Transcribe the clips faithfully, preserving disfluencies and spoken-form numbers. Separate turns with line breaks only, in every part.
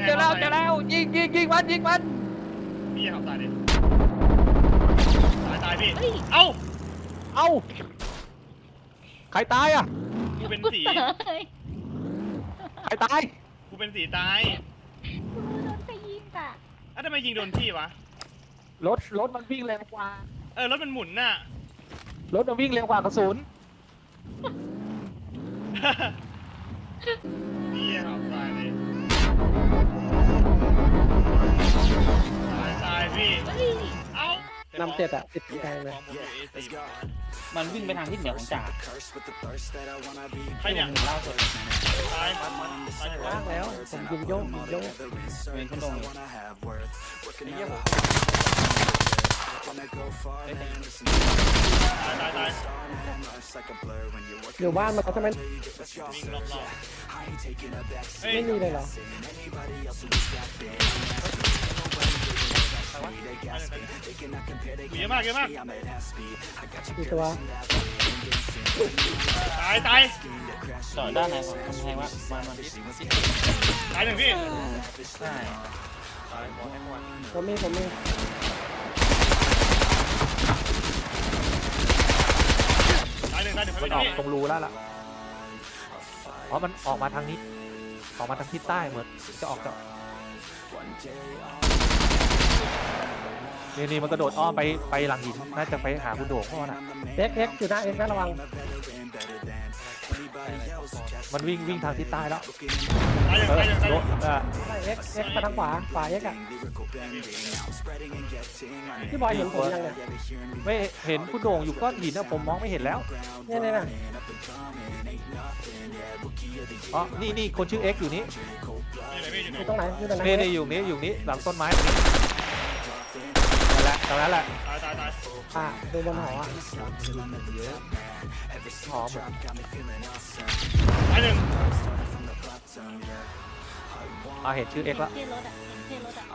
เจอแล้วเจอแล้วยิงยิงยิงมันยิงมัน
พี่ขับตายดิตายตายพี่เอ้า
เอ้าใครตายอ่ะ
กูเป็นสี
ใครตาย
กูเป็นสีตาย
กูโดนไปยิงอ่ะ
อ้าวทำไมยิงโดนพี่วะ
รถรถมันวิ่งเร็วกว่า
เออรถมันหมุนน่ะ
รถมันวิ่งเร็วกว่ากระสุน
พี่ขับตายเลยตายตายพี่เอ้าน
ำเจ็ดอ่ะติดแทงเลย
มันวิ่งไปทางทิศเหนือของจ่า
ใครเนี่ย
เล่าสุด
ตายตายตาย
ว่างแล้วผมยิงโยกยิงโยก
เป็นคนตรงเลยไอ้เหี้ยผม
ตายตายตาย
อยู่บ้านมันเขาทำไม
วิ่งรอบๆ
ไม่มีเลยเหรอ
เยอะมากเยอะมาก
อีตัว
ตายตาย
จอดด้านไหนของกำแพงวะมามา
ตายหนึ่งพี่
ใช่
ผมมีผมมี
ตายหนึ่งตายหนึ่ง
มันออกตรงรูแล้วล่ะอ๋อมันออกมาทางนี้ออกมาทางทิศใต้เหมือนจะออกจะนี่นี่มันกระโดดอ้อมไปไปหลังหินน่าจะไปหาคุณโด่งพ่อน่ะ
เอ็กเอ็กอยู่หน้าเอ็กนะระวัง
มันวิ่งวิ่งทางทิศใต้แล้ว
ตายหนึ่งตายหนึ่งตายหนึ่ง
เอ็กเอ็กมาทางขวาขวาเอ็กอ่ะพี่บอยเห็นผมยังเนี่ย
ไม่เห็นคุณโด่งอยู่ก้อนหินนะผมมองไม่เห็นแล้ว
เนี่ยเนี่ยนะ
อ๋อนี่นี่คนชื่อเอ็กอยู่นี้
อยู่ตรงไหนอยู่ตรงไหน
นี่นี่อยู่นี้อยู่นี้หลังต้นไม้ตรงนี้นั่นแหละตรงนั้นแหละ
ตายตายตาย
อ่ะดูบนหออ่ะ
หอม
ตายหนึ่ง
อ่าเห็นชื่อเอ็กแล้ว
เท่รถอ่ะเท่รถอ่ะ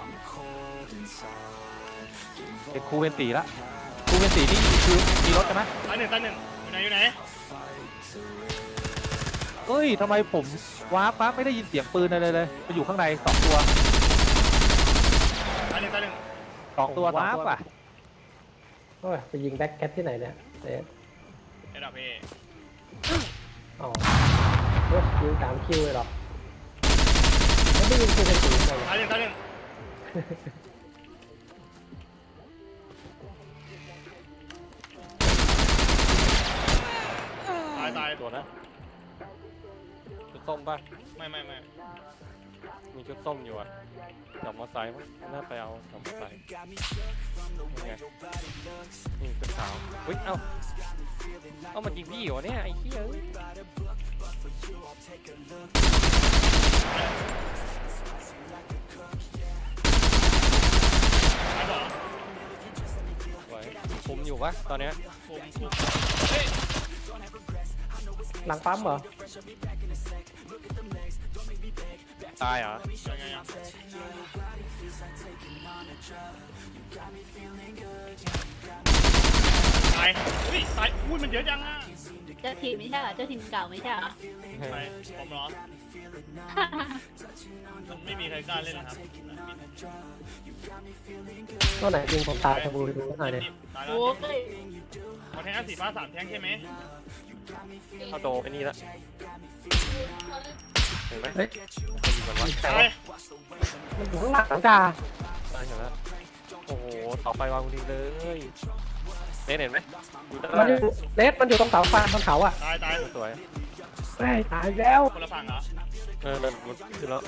เอ็กคูเวนตีละคูเวนตีนี่คือมีรถกันไหม
ตายหนึ่งตายหนึ่งอยู่ไหนอยู่ไหน
เอ้ยทำไมผมว้าปั๊บไม่ได้ยินเสียงปืนอะไรเลยไปอยู่ข้างในสองตัว
ตายหนึ่งตายหนึ่ง
สองตัวว้าป่ะ
โอ้ยไปยิงแบ็คแคทที่ไหนเนี่ยเอ๊ะ
เอ็ดอัพเอ
อ๋อเฮ้ยยิงสามคิวเลยหรอไม่ได้ยิงคิวเป็นสีเลย
ตายหนึ่งตายหนึ่งตายตาย
ตัวนะชุดส้มป่ะ
ไม่ไม่ไม่
มีชุดส้มอยู่อ่ะกับมอไซค์มั้งน่าไปเอากับมอไซค์ยังไงนี่เป็นสาวเฮ้ยเอ้าเอ้ามันยิงพี่เหรอเนี่ยไอ้เหี้ยคุมอยู่ปะตอนเนี้ย
หลังปั๊มเหรอ
ตายเหรอ
ตายอุ้ยตายอุ้ยมันเยอะจังอ่ะ
เจ้าทีมไม่ใช่เหรอเจ้าทีมเก่าไม่ใช่เหรอ
ไปผมเหรอมันไม่มีใครกล้าเล่นนะครับ
ตัวไหนยิงผมตายจะบูดูหน่อยเลย
โอ้ย
ขอแทงสี่ฟ้าสามแทงใช่ไหม
เข้าโตไอ้นี่ละเห็นไหม
เฮ้ย
ตาย
มันอยู่ข้างหลังจ้า
ตายเห็นแล้วโอ้โหต่อไปวางดีเลยเห็นเห็นไหม
มันอยู่เลสมันอยู่ตรงเสาไฟบนเขาอ่ะ
ตายตาย
สวย
เฮ้ยตายแล้ว
คนละฝั่งเหรอ
เออเดินขึ้นแล้ว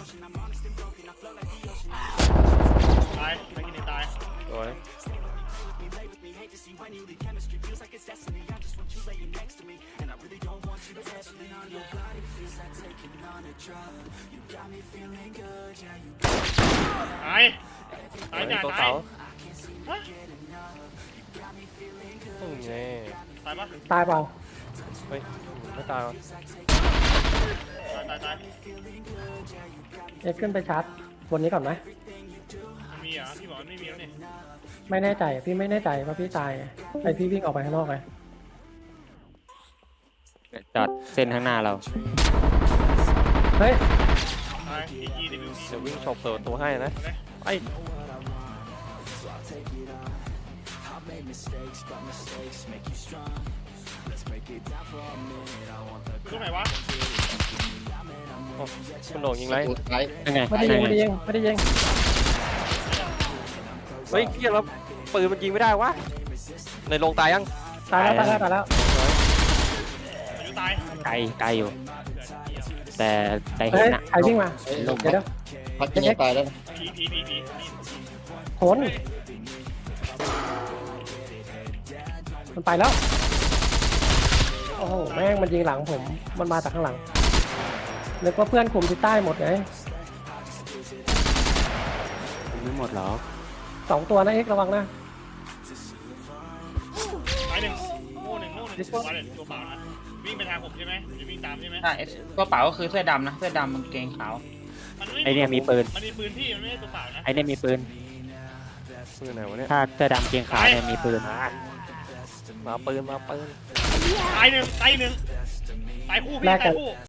ตายไม่กินตาย
สวย
ตายตายจ่าตาย
อืมเนี่ย
ตายปะ
ตายเปล่า
เฮ้ยไม่ตายวะ
ตายตายตาย
เอ็กขึ้นไปชาร์จบนนี้ก่อนไหม
มีเหรอพี่บอกไม่มีแล้วนี่
ไม่แน่ใจพี่ไม่แน่ใจว่าพี่ตายไอพี่วิ่งออกไปข้างนอกไง
จอดเส้นข้างหน้าเรา
เฮ้ย
ตตายอีจีดิบิว
เดี๋ยววิ่งฉกเปิดประตูให้นะไป
ตรงไหนวะ
โอ้คุณโหน่งยิงไร
ตัวท้าย
ยังไง
ไม่ได้ยิงไม่ได้ยิงไม่ได้ยิง
เฮ้ยเกียร์แล้วปืนมันยิงไม่ได้วะในโรงตายยัง
ตายแล้วตายแล้วตายแล้ว
อายุตาย
ไกลไกลอยู่ แต่ใจเห็
เฮ้
น
ย
นะ
ใครวิ่งมา
เฮ้ย
เดี๋ยวเดี๋ยว
พักยังไม่ตายแล้วนะ
ผีผีผีผี
โหนมันไปแล้วโอ้โหแม่งมันยิงหลังผมมันมาจากข้างหลังนึกว่าเพื่อนกลุ่มที่ใต้หมดไง
ไม่หมดหรอ
สองตัวนะเอ็กระวังนะ
ตายหนึ่งโม่หนึ่งโม่หนึ่งตัวเลยตัวเปล่านะวิ่งไปทางผมใช่ไหมจะวิ่งตามใช่ไหม
ใช่ตัวเปล่าก็คือเสื้อดำนะเสื้อดำกางเกงขาว
มันไม่
ไอเนี่ยมีปืน
มันมีปืนพี่มันไม่ใช่ตัวเปล่านะ
ไอเนี่ยมีปืน
ปืนไหนวะเนี่ย
ถ้าเสื้อดำเกงขาวเนี่ยมีปืน
มาปืนมาปืน
ตายหนึ่งตายหนึ่งตายคู่พี่ตายคู่